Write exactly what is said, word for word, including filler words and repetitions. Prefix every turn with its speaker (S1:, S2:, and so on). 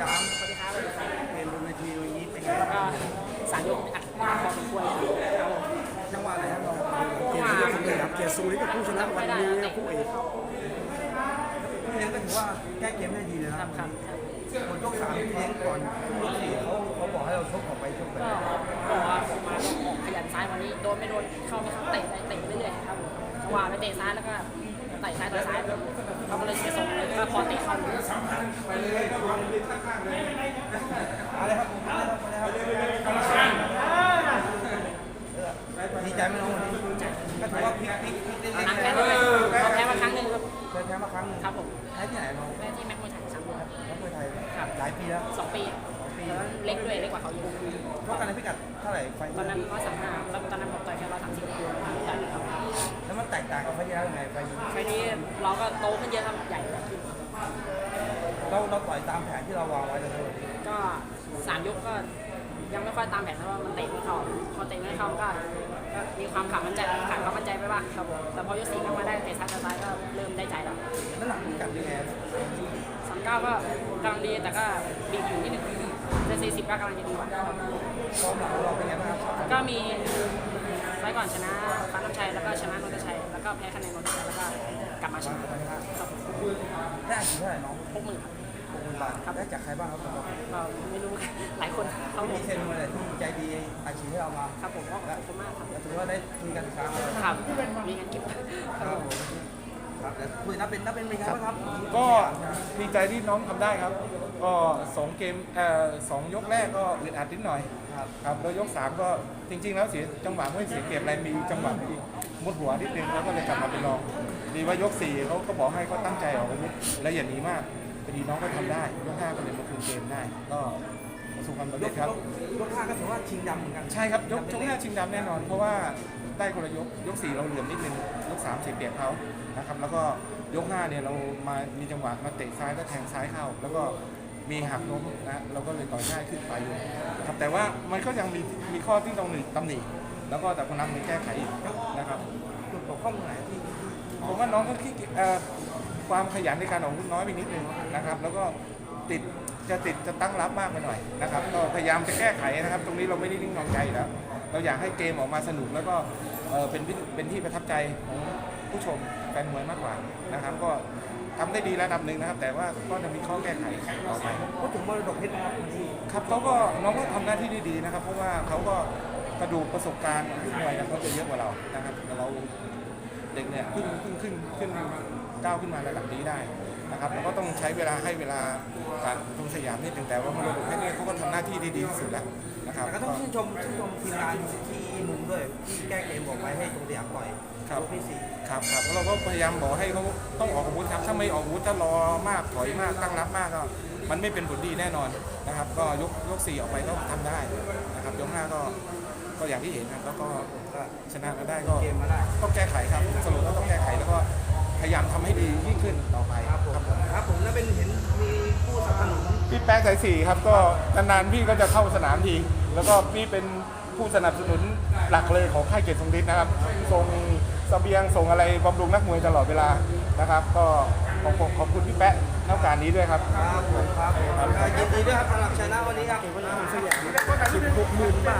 S1: าม
S2: สวัสดีครับ
S1: เกมบนเวทีวันนี้เป็นไงบ้าง
S2: ก็สามยกอัดหน้าพอสมควรครับผม
S1: จังหวะอะไรครับเราเกมที่เลือกคนเลยครับเกียรติซูริกับผู้ชนะวันนี้คู่เอกพี่เลี้ยงก็ถือว่าแก้เกมได้ดีเลยนะครับ
S2: ครับ
S1: หมดยกสามพี่เลี้ยงก่อนยกสี่เขาเขาบอกให้เราชกออกไปชกไป
S2: ก็บอกว่าผมมาต้องออกขยันซ้ายวันนี้โดนไม่โดนเข้าไม่เข้าเตะไปเตะเรื่อยๆครับผมจังหวะไปเตะซ้ายแล้วก็เตะซ้ายต่อยซ้ายเราก็เลยเสียทรงเลยก็พอเตะเข้าเลย
S1: อะไรครับดีใจไหมน้องวันนี้ก็ถือว่าพลิกพลิกพลิกเล็ก
S2: หลัง
S1: ๆ
S2: แพ้
S1: เล
S2: ด้วย
S1: ย
S2: เราแพ้มาครั้งหนึ่งครับ
S1: เคยแพ้มาครั้งหนึง
S2: ครับผม
S1: แพ้ที่ไหนน้อง
S2: แพ้ที่แม็กมวยไทยสามเดือนครับ
S1: นักมวยไทย
S2: ครับ
S1: หลายปีแล้ว
S2: สองปีแล้วเล็กด้วยเล็กกว่าเขาเยอะ
S1: เพราะกันในพิกัดเท่าไหร่ไฟ
S2: ตอนนั้นร้อยสามห้าแล้วตอนนั้นผมต่อยแค่ร้อยสามสิบแต่ครับ
S1: แล้วมันแตกต่างกับไฟที่แล้วยังไงไฟ
S2: ไฟนี้เราก็โตขึ้นเยอะครับใหญ่ขึ้น
S1: เราเราต่อยตามแผนที่เราวางไว้เลย
S2: ก็สามยกก็ยังไม่ค่อยตามแผนเพราะว่ามันเตะไม่เข้าพอเตะไม่เข้าก็ก็มีความขาดมั่นใจขาดความมั่นใจไปบ้างครับผมแต่พอยกสี่เข้ามาได้เตะซ้ายซ้ายก็เริ่มได้ใจแล้ว
S1: น้ำหนักพิกัดยังไง
S2: สามเก้าก็กำลังดีแต่ก็บีบอยู่นิดนึงแต่สี่สิบก็กำลังจะดีกว่า
S1: ความหลังของเราเป็นไงบ้างครับ
S2: ก็มีไฟก่อนชนะฟ้าน้ำชัยแล้วก็ชนะนนทชัยแล้วก็แพ้คะแนนนนทชัยแล้วก็กลับมาชนะครับผม
S1: ได้อาชีพเท่าไหร่น้อง
S2: หกหมื่นครับ
S1: หกหมื่นบาทได้จากใครบ้างครับผม
S2: ก็ไม่รู้ หลายคนเขาบอ
S1: มี
S2: ก
S1: เซนมาเลยที่ใจดีอาชีพให้เรามา
S2: ครับผมก็ขอบคุณมากครับ
S1: แล้วถือว่าได้คุยกันครั้งเลย
S2: ครับมีงานเก็บครับ
S1: ครับผมครับแล้วคุยนับเป็นนับเป็นเป็นไงบ้างครับ
S3: ก็ดีใจที่น้องทำได้ครับ ก็สองเกมเอ่อสองยกแรกก็อึดอัดนิดหน่อย
S1: ครับ
S3: ครับแล้วยกสามก็จริง ๆ แล้วเสียจังหวะไม่เสียเปรียบอะไรมีจังหวะที่มุดหัวนิดนึงแล้วก็เลยกลับมาเป็นรองดีว่ายกสี่เขาก็บอกให้เขาตั้งใจออกอาวุธและอย่าหนีมากพอดีน้องก็ทำได้ยกห้าก็เลยมาคืนเกมได้ ก็ประสบความสำ
S1: ย
S3: เร็
S1: ก
S3: จครับ
S1: ยกห้าก็ถือว่าชิงดำเหมือนกัน
S3: ใช่ครับยกยกห้าชิงดำแน่นอน เพราะว่าได้คนละยกยกสี่เราเหลื่อมนิดนึงยกสามเสียเปรียบเขานะครับแล้วก็ยกห้าเนี่ยเรามามีจังหวะมาเตะซ้ายก็แทงซ้ายเข้า แล้วก็มีหักล้มนะเราก็เลยต่อยง่ายขึ้นไปอยู่ครับแต่ว่ามันก็ยังมีมีข้อที่ต้องหนึ่งตำหนิแล้วก็แต่พนักงานแก้ไขอีกนะครับ
S1: จุดบกพร่องตรงไหนที่
S3: ผมว่าน้องก็ขี้เกียจเอ่อความขยันในการออกอาวุธน้อยไปนิดนึงนะครับ แล้วก็ติดจะติดจะตั้งรับมากไปหน่อยนะครับ ก็พยายามจะแก้ไขนะครับ ตรงนี้เราไม่ได้นิ่งนอนใจอยู่แล้วเราอยากให้เกมออกมาสนุกแล้วก็เอ่อเป็นที่เป็นที่ประทับใจของผู้ชมแฟนมวยมากกว่านะครับ ก็ทำได้ดีระดับหนึ่งนะครับ แต่ว่าก็จะมีข้อแก้ไขต่อไป
S1: พูดถึงมรดกเพชรนะครับวันที่
S3: ครับเขาก็น้องก็ทำหน้าที่ได้ดีนะครับ เพราะว่าเขาก็กระดูกประสบการณ์ขึ้นมวยนะเขาจะเยอะกว่าเรานะครับแต่เราเด็กเนี่ยขึ้นขึ้นขึ้นขึ้นก้าวขึ้นมาระดับนี้ได้นะครับเราก็ต้องใช้เวลาให้เวลาการตรงสยามนิดหนึ่งแต่ว่ามรดกเพชรเนี่ยเขาก็ทำหน้าที่ได้ดีที่สุดแล้วนะครับ
S1: แต่ก็ต้องชื่นชมชื่นชมทีมงานที่มุมด้วยที่แก้เกมบอกไว้ให้ตรงสยามปล่อย
S3: ครับ
S1: ยกที่สี่
S3: ครับครับแล้วเราก็พยายามบอกให้เขาต้องออกอาวุธครับถ้าไม่ออกอาวุธถ้ารอมากถอยมากตั้งรับมากก็มันไม่เป็นผลดีแน่นอนนะครับ ก็ยกยกสี่ออกไปก็ทำได้นะครับยกห้าก็ก็อย่างที่เห็นครับแล้วก็
S1: ก็
S3: ชนะมาได้ก็
S1: เกมมาได้
S3: ต้องแก้ไขครับสรุปก็ต้องแก้ไขแล้วก็พยายามทำให้ดียิ่งขึ้นต่อไป
S1: ครับผมครับผมแล้วเป็นเห็นมีผู้สนับสนุน
S3: พี่แป๊กสายสี่ครับก็นานๆพี่ก็จะเข้าสนามทีแล้วก็พี่เป็นผู้สนับสนุนหลักเลยของค่ายเกียรติทรงฤทธิ์นะครับส่งเสบียงส่งอะไรบำรุงนักมวยตลอดเวลานะครับ ก็ขอบคุณขอบคุณพี่แป๊ะในโอกาสนี้ด้วยครับ
S1: ครับผมครับผมยินดีด้วยครับสำหรับชนะวันนี้ครับ
S3: วันนี้ผมสยาม
S1: สิบหกหมื่นบาท